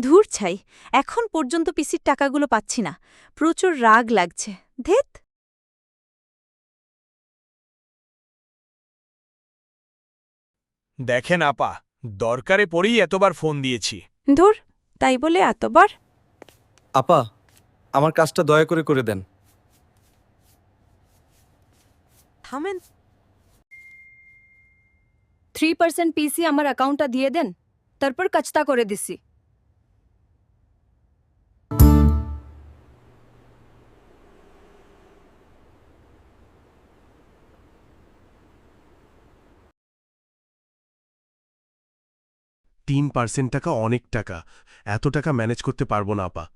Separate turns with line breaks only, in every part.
ধুর ছাই, এখন পর্যন্ত পিসির টাকাগুলো পাচ্ছি না। প্রচুর রাগ লাগছে। ধেত!
দেখেন আপা, দরকারে পড়েই এতবার ফোন দিয়েছি।
ধুর, তাই বলে এতবার?
আপা, আমার কাজটা দয়া করে করে দেন।
থামেন।
3% পিসি আমার অ্যাকাউন্টটা দিয়ে দেন, তারপর কাজটা করে দিছি।
তিন পার্সেন্ট টাকা অনেক টাকা, এত টাকা ম্যানেজ করতে পারবো না আপা।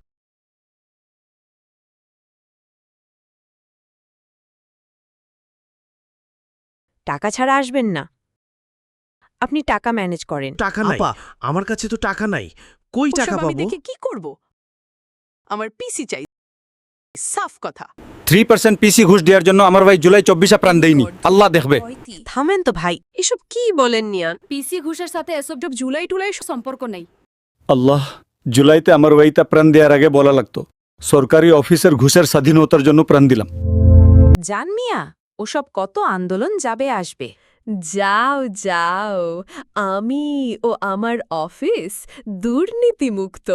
টাকা ছাড়া আসবেন না। আপনি টাকা ম্যানেজ করেন।
টাকা নাই
আপা, আমার কাছে তো টাকা নাই, কই টাকা
ওসব আমি
পাবো?
দেখে কি করব? আমার পিসি চাই, সাফ কথা।
3% পিসি ঘুষ দেওয়ার জন্য আমার ভাই জুলাই 24 প্রাণ দেয়নি, আল্লাহ দেখবে।
থামেন তো ভাই।
এসব কি বলেন নিয়ান?
পিসি ঘুষের সাথে এসব জুলাই টুলাই সম্পর্ক নেই।
আল্লাহ, জুলাইতে আমার ভাইটা প্রাণ দেওয়ার আগে বলা লাগতো সরকারি অফিসের ঘুষের স্বাধীনতার জন্য প্রাণ দিলাম।
জান মিয়া, ওসব কত আন্দোলন যাবে আসবে। যাও যাও, আমি ও আমার অফিস দুর্নীতিমুক্ত,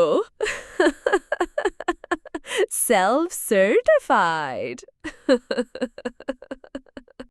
সেলফ সার্টিফাইড।